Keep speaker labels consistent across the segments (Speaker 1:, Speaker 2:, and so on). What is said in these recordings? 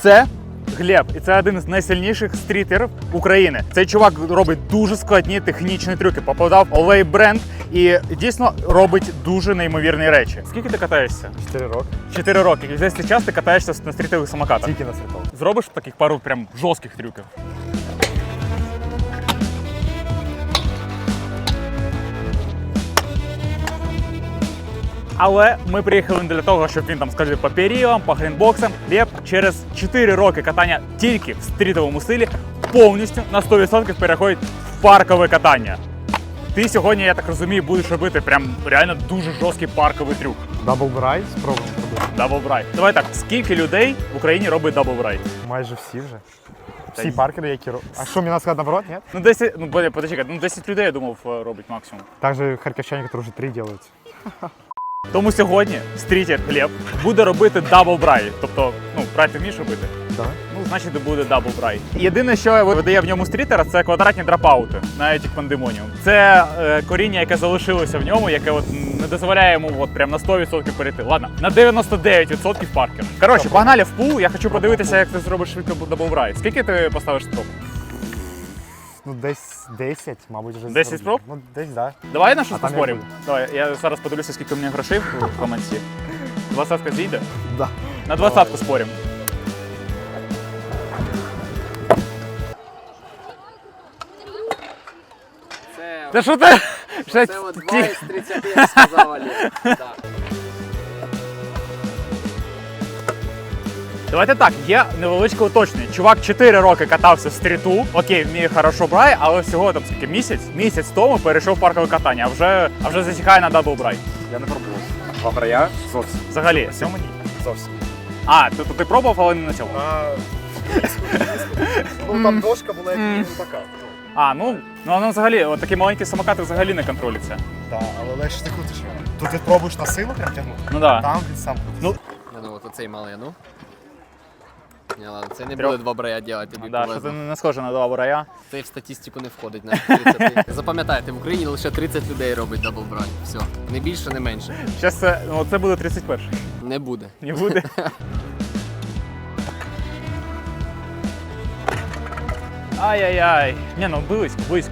Speaker 1: Це Глеб, і це один з найсильніших стрітерів України. Цей чувак робить дуже складні технічні трюки. Попадав Олей бренд і дійсно робить дуже неймовірні речі. Скільки ти катаєшся?
Speaker 2: 4 роки.
Speaker 1: 4 роки. І весь цей час ти катаєшся на стрітових самокатах.
Speaker 2: Тільки на світових.
Speaker 1: Зробиш таких пару прям жорстких трюків? Але ми приїхали не для того, щоб він там скажи по періодам, по грінбоксам. Глеб через 4 роки катання тільки в стрітовому стилі повністю на 100% переходить в паркове катання. Ти сьогодні, я так розумію, будеш робити прям реально дуже жорсткий парковий трюк.
Speaker 2: Даблбрай спробуємо робити.
Speaker 1: Даблбрай. Давай так, скільки людей в Україні робить даблбрай?
Speaker 2: Майже всі вже. Всі паркери, які роблять. А що, мені треба сказати наоборот, ні?
Speaker 1: Ну 10, подожди, 10 людей, я думав, робить максимум.
Speaker 2: Так же харківчані, які вже 3 роблять.
Speaker 1: Тому сьогодні стрітер Глеб буде робити даблбрай. Тобто, брай ти вмієш робити?
Speaker 2: Давай.
Speaker 1: Ну, значить, буде даблбрай. Єдине, що видає в ньому стрітера, це квадратні дропаути на Ethic Pandemonium. Це коріння, яке залишилося в ньому, яке не дозволяє йому прям на 100% перейти. Ладно, на 99% паркер. Коротше, погнали в пул, я хочу подивитися, як ти зробиш швидко даблбрай. Скільки ти поставиш спроб?
Speaker 2: Ну, десь 10, мабуть, вже.
Speaker 1: 10 спроб?
Speaker 2: Ну, десь, так. Да.
Speaker 1: Давай на щось
Speaker 2: там
Speaker 1: поспоримо.
Speaker 2: як
Speaker 1: Давай, я зараз подивлюся, скільки у мене грошей в команді. 20-ка зійде?
Speaker 2: Да.
Speaker 1: На 20-ку споримо. Та що ти?
Speaker 3: Це от 2 із 30, як сказав Олег. Так.
Speaker 1: Давайте так, є невеличке уточнення. Чувак 4 роки катався в стріту, окей, вміє хорошо брай, але всього там скільки місяць тому перейшов в паркове катання, а вже засікає на даблбрай.
Speaker 2: Я не пробував. Два брая? Зовсім.
Speaker 1: Взагалі.
Speaker 2: На цьому ні. Зовсім.
Speaker 1: А, тобто ти пробував, але не на цьому?
Speaker 2: Ну, там дошка була як така.
Speaker 1: А, ну взагалі, от такі маленькі самокати взагалі не контролюються.
Speaker 2: Так, але легше ти крутиш. Тут ти пробуєш на силу прям тягнути.
Speaker 1: Ну да.
Speaker 2: Там він сам крутиться.
Speaker 3: Ну от оцей малий, ну. Ні, ладно, це не
Speaker 1: Трьох.
Speaker 3: буде 2 брая робити, тобі
Speaker 1: Да, що ти
Speaker 3: повезло.
Speaker 1: не схоже на даблбрая.
Speaker 3: Це в статистику не входить на 30. Запам'ятайте, в Україні лише 30 людей робить даблбрай. Все. Не більше, не менше.
Speaker 1: Зараз це буде 31-й.
Speaker 3: Не буде.
Speaker 1: Не буде. Ай-яй-яй. Ні, ну близько.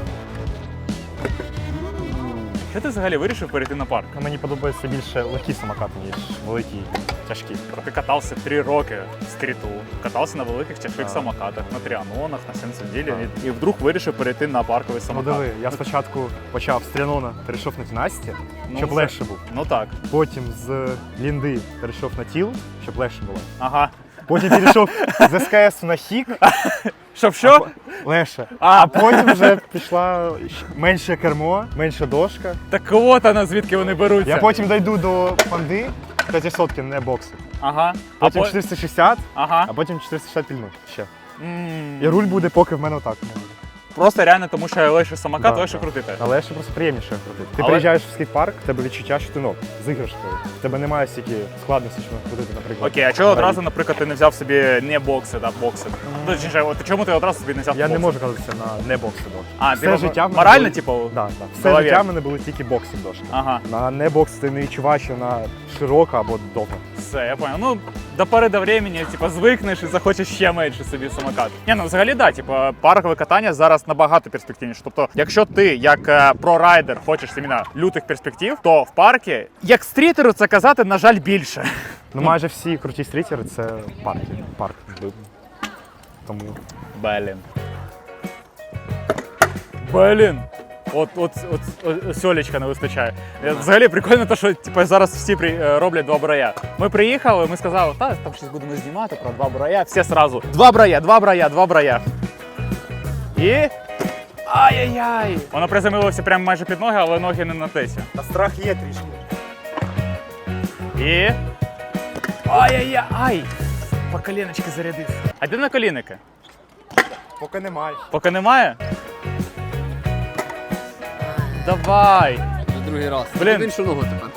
Speaker 1: Що ти взагалі вирішив перейти на парк?
Speaker 2: Мені подобається більше легкі самокати, ніж великі, тяжкі.
Speaker 1: Ти катався 3 роки в стріту, катався на великих тяжких самокатах, на тріанонах, на сенсоділі, і вдруг вирішив перейти на парковий
Speaker 2: Ну
Speaker 1: самокат.
Speaker 2: диви, я спочатку почав з тріанона, перейшов на Тінасті, щоб
Speaker 1: це-
Speaker 2: легше був.
Speaker 1: Ну так.
Speaker 2: Потім з Лінди перейшов на тіл, щоб легше було.
Speaker 1: Ага.
Speaker 2: Потім перейшов з СКС на хік,
Speaker 1: Щоб що?
Speaker 2: легше.
Speaker 1: А.
Speaker 2: А потім вже пішла менше кермо, менша дошка.
Speaker 1: Так от вона, звідки вони беруться.
Speaker 2: Я потім дійду до панди 500 не бокси.
Speaker 1: Ага.
Speaker 2: Потім 460,
Speaker 1: Ага.
Speaker 2: а потім 460 пільну ще.
Speaker 1: М.
Speaker 2: І руль буде поки в мене отак.
Speaker 1: Просто реально, тому що легше самокат,
Speaker 2: Да,
Speaker 1: легше
Speaker 2: да.
Speaker 1: крутити.
Speaker 2: Але ще просто приємніше крутити. Ти
Speaker 1: Але-
Speaker 2: приїжджаєш в скейт-парк, в тебе відчуття, що ти з іграшкою. В тебе немає стільки складності, що крутити, наприклад.
Speaker 1: Окей, а чого одразу, наприклад, ти не взяв собі не бокси, да, бокси? Точніше, от чому ти одразу собі не взяв
Speaker 2: Я не
Speaker 1: бокси?
Speaker 2: можу кататися на не бокси дошки.
Speaker 1: А,
Speaker 2: все
Speaker 1: типу,
Speaker 2: життя в мене
Speaker 1: морально,
Speaker 2: були-
Speaker 1: типу?
Speaker 2: Да, да.
Speaker 1: в
Speaker 2: Все
Speaker 1: голові.
Speaker 2: життя в мене були тільки боксинг дошки.
Speaker 1: Ага,
Speaker 2: На не бокс ти не відчуваєш, що вона широка або довга.
Speaker 1: все, я понял. Ну, до пори до времени, типу, звикнеш і захочеш ще менше собі самокат. Ні, ну взагалі, да, типу, паркове катання зараз набагато перспективніше. Тобто, якщо ти як прорайдер хочеш іменно лютих перспектив, то в паркі, як стрітеру це казати, на жаль, більше.
Speaker 2: Ну майже всі круті стрітери це парк. Тому
Speaker 1: Блін. От сьолечка не вистачає. Взагалі прикольно те, що типу, зараз всі роблять 2 брая. Ми приїхали, ми сказали, там щось будемо знімати про 2 брая. Всі сразу 2 брая. І... Ай-яй-яй! Воно приземлилося прямо майже під ноги, але ноги не на тесі.
Speaker 2: а страх є трішки.
Speaker 1: І... Ай-яй-яй! По коленочки зарядив. А де на колінники?
Speaker 2: Поки немає.
Speaker 1: Поки немає? Давай!
Speaker 3: Вже другий раз.
Speaker 1: Блін.
Speaker 3: В іншу ногу тепер.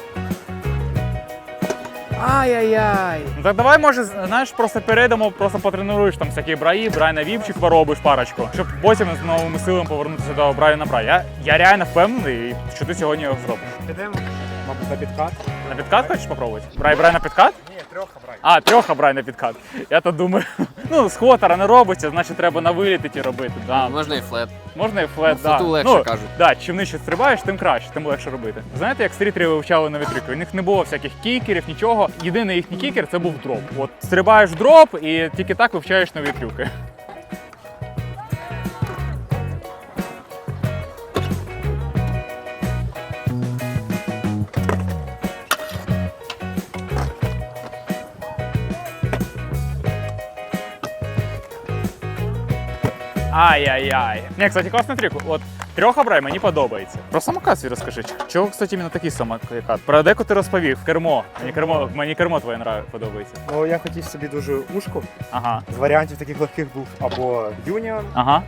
Speaker 1: Ай-яй-яй. Ну так давай, може, знаєш, просто перейдемо, просто потренуєш там всякі браї, брай на віпчик поробиш парочку, щоб потім з новими силами повернутися до браю на брай. Я реально впевнений, що ти сьогодні його зробиш.
Speaker 2: Підемо, мабуть. на підкат.
Speaker 1: На підкат хочеш попробувати? Брай на підкат?
Speaker 2: Ні, трьоха брай.
Speaker 1: А, трьоха брай на підкат. Я то думаю, ну, з хотера не робиться, значить треба на виліті робити. Да.
Speaker 3: Можна і флет.
Speaker 1: Можна і флет,
Speaker 3: Ну,
Speaker 1: да.
Speaker 3: флету легше, кажуть.
Speaker 1: Да, чим нижче стрибаєш, тим краще, тим легше робити. Знаєте, як стрітери вивчали нові трюки? У них не було всяких кікерів, нічого. Єдиний їхній кікер це був дроп. От стрибаєш в дроп і тільки так вивчаєш нові трюки. Ай-яй-яй. Не, кстати, класний трюк. От трьохобрай мені подобається. Про самокат свій розкажи. Чого, кстати, іменно такий самокат? Про деку ти розповів. Кермо. Мені кермо твоє подобається.
Speaker 2: Ну, я хотів собі дуже ушку.
Speaker 1: Ага.
Speaker 2: З варіантів таких легких був або Union,
Speaker 1: Ага.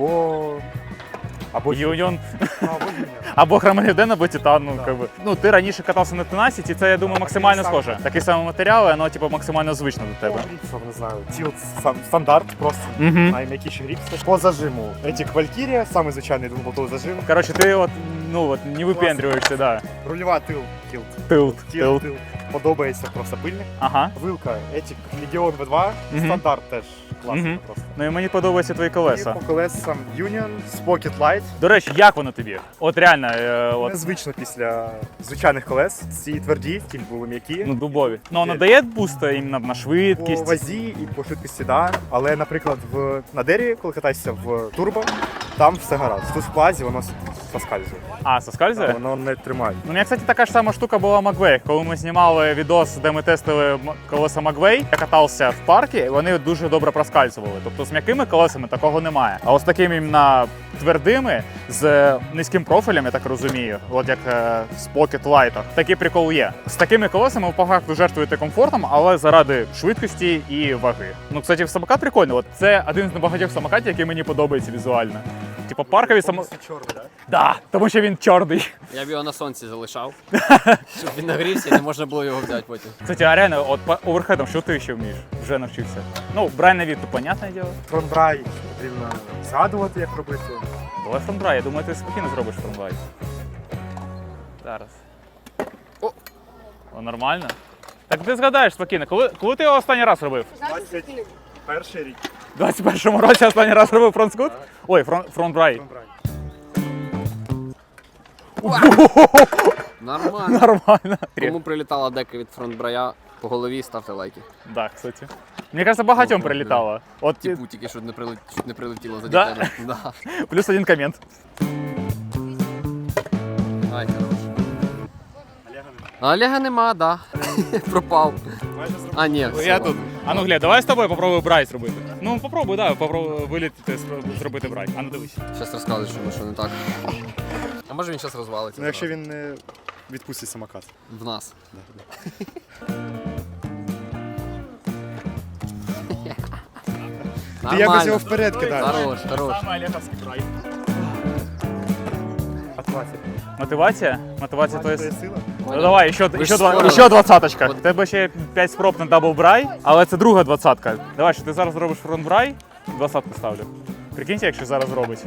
Speaker 2: або
Speaker 1: Юніон.
Speaker 2: або Union.
Speaker 1: Або Хромолюден, або Титан. Ну,
Speaker 2: Да.
Speaker 1: как би. Ну, ти раніше катався на Tenacity, і це, я думаю, максимально
Speaker 2: Такий
Speaker 1: схоже. Такий самий матеріал, і воно, типу, максимально звично до тебе.
Speaker 2: Грипсов, не знаю, тилт стандарт просто.
Speaker 1: Угу.
Speaker 2: Найм'якіший грипс. По зажиму. Этих Valkyria, самый звичайний двухболтовий зажим.
Speaker 1: Коротше, ти от, ну, от, не випендрюєшся, да.
Speaker 2: Рульова тил, тилт.
Speaker 1: Тилт.
Speaker 2: Тилт. Подобається просто пильник.
Speaker 1: Ага.
Speaker 2: Вилка, Ethic Legion V2,
Speaker 1: Мгм.
Speaker 2: стандарт теж класно
Speaker 1: Мгм.
Speaker 2: просто.
Speaker 1: Ну і мені подобаються твої колеса.
Speaker 2: І по колесам Union, Pocket Light.
Speaker 1: До речі, як воно тобі? От реально, от,
Speaker 2: Незвично після звичайних колес. Ці тверді, ті були м'які.
Speaker 1: ну, дубові. Ну, воно дає буста іменно на
Speaker 2: По
Speaker 1: швидкість.
Speaker 2: вазі і по швидкості, да. Але, наприклад, на дереві, коли катаєшся в турбо, там все гаразд. Тут в плазі воно соскальзує.
Speaker 1: А, соскальзує?
Speaker 2: Воно не тримає.
Speaker 1: Ну, у мене, кстати, така ж сама штука була Magway. Коли ми знімали відос, де ми тестили колеса Magway, я катався в парку, і вони дуже добре проскальзували. Тобто з м'якими колесами такого немає. А от з такими іменно твердими, з низьким профілем, я так розумію, от як з Pocket Light, такий прикол є. З такими колесами ви по факту жертвуєте комфортом, але заради швидкості і ваги. Ну, кстати, самокат прикольний. От це один з небагатьох самокатів, який мені подобається візуально. Типа паркові
Speaker 2: Чорний, так?
Speaker 1: Да, тому що він чорний.
Speaker 3: Я б його на сонці залишав, щоб він нагрівся і не можна було його взяти потім.
Speaker 1: Кстати, а реально, от по оверхедам, що ти ще вмієш? Вже навчився. Ну, брай на від, то понятне діло.
Speaker 2: Фронтбрай потрібно згадувати, як робити.
Speaker 1: Давай фронтбрай, я думаю, ти спокійно зробиш фронтбрай. Зараз. О, нормально? Так ти згадаєш спокійно, коли ти його останній раз робив?
Speaker 2: 21 рік.
Speaker 1: У 21-му році останній раз робив фронтскут? Ой, фронтбрай.
Speaker 2: Фронтбрай.
Speaker 3: Нормально.
Speaker 1: Нормально.
Speaker 3: Кому прилітала дека від фронтбрая по голові, ставте лайки.
Speaker 1: Да, кстати. Мені кажется, багатьом
Speaker 3: Ну,
Speaker 1: прилітало. От
Speaker 3: Типу тільки що чуть не прилетіло за
Speaker 1: Да?
Speaker 3: дітей. Да.
Speaker 1: плюс один комент.
Speaker 3: Ай, хорош. А Олега нема, да. Пропав.
Speaker 2: Майже зробив.
Speaker 3: А, ні, все,
Speaker 1: Я
Speaker 3: ладно.
Speaker 1: тут. А ну глянь, давай з тобою попробуй брай зробити. Ну попробуй, да, попробуй вилітити, зробити брай. А ну дивись.
Speaker 3: Щас розказуєш, що не так. А може він зараз розвалиться?
Speaker 2: Ну, якщо він не відпустить самокат.
Speaker 3: В нас.
Speaker 2: Ти якось його вперед кидаєш.
Speaker 3: Хорош, хорош.
Speaker 1: Саме Олеговський брай.
Speaker 2: Мотивація.
Speaker 1: Мотивація? Мотивація то є.
Speaker 2: сила.
Speaker 1: Ну давай, ще
Speaker 3: ж спорили.
Speaker 1: ще двадцяточка. У
Speaker 3: От.
Speaker 1: тебе ще 5 спроб на дабл брай, але це друга двадцятка. Давай, що ти зараз зробиш фронт брай, двадцятку ставлю. Прикиньте, якщо зараз зробить.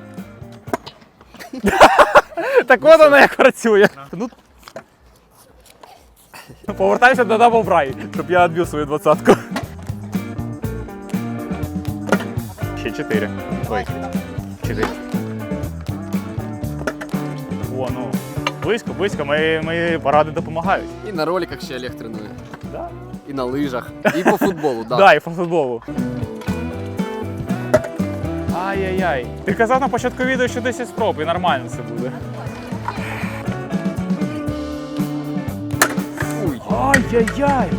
Speaker 1: Так от вона як працює. Ну, повертайся до дабл брай, щоб я відбив свою двадцятку. Ще 4. Ой, 4. О, ну. Близько, мої поради допомагають.
Speaker 3: І на роликах ще Олег тренує.
Speaker 1: Да?
Speaker 3: І на лижах. І по футболу, да.
Speaker 1: Да, і по футболу. Ай-яй-яй. Ти казав на початку відео, що 10 спроб, і нормально це буде.
Speaker 3: Фуй.
Speaker 1: Ай-яй-яй.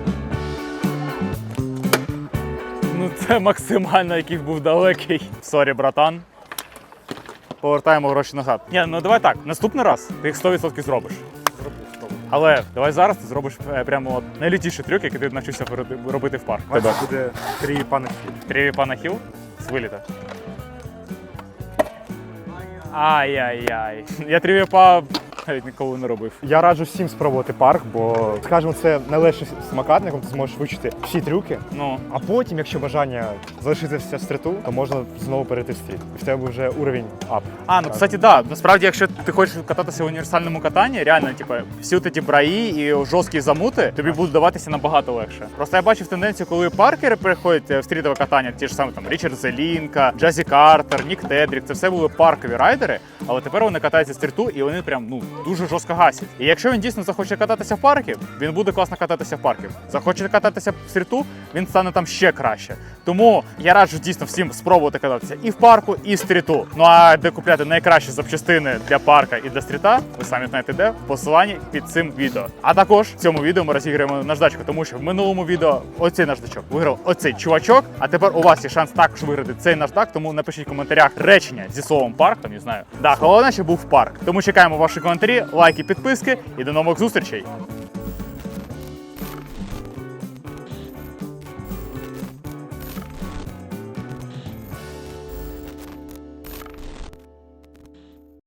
Speaker 1: Ну це максимально який був далекий. Сорі, братан. Повертаємо гроші назад. Ні, ну давай так, наступний раз ти їх 100% зробиш. Але давай зараз ти зробиш прямо от найлютіший трюк, який ти навчився робити в парк.
Speaker 2: Тебе буде 3 пани.
Speaker 1: 3 пана хіл з виліта. Ай-яй-яй. Я трівіпа навіть ніколи не робив.
Speaker 2: Я раджу всім спробувати парк, бо, скажімо, це найлегший самокат, на ти зможеш вивчити всі трюки.
Speaker 1: Ну,
Speaker 2: А потім, якщо бажання залишитися в стріту, то можна знову перейти в стріт. І в тебе вже уровень ап.
Speaker 1: ну кстати, да. Насправді, якщо ти хочеш кататися в універсальному катанні, реально, типу, всі ті браї і жорсткі замути тобі будуть даватися набагато легше. Просто я бачив тенденцію, коли паркери переходять в стрітове катання, ті ж самі там Річард Зелінка, Джазі Картер, Нік Тедрік, це все були паркові райдери, але тепер вони катаються в стріту і вони прям дуже жорстко гасять. І якщо він дійсно захоче кататися в паркі, він буде класно кататися в паркі. Захоче кататися в стріту, він стане там ще краще. Тому я раджу дійсно всім спробувати кататися і в парку, і в стріту. Ну а де купляти найкращі запчастини для парка і для стріта, ви самі знаєте де, в посиланні під цим відео. А також в цьому відео ми розіграємо наждачку, тому що в минулому відео оцей наждачок виграв оцей чувачок, а тепер у вас є шанс також виграти цей наждак, тому напишіть в коментарях речення зі словом парк, там не знаю. Да, головне, щоб був парк. Тому чекаємо ваші коментарі, лайки, підписки і до нових зустрічей.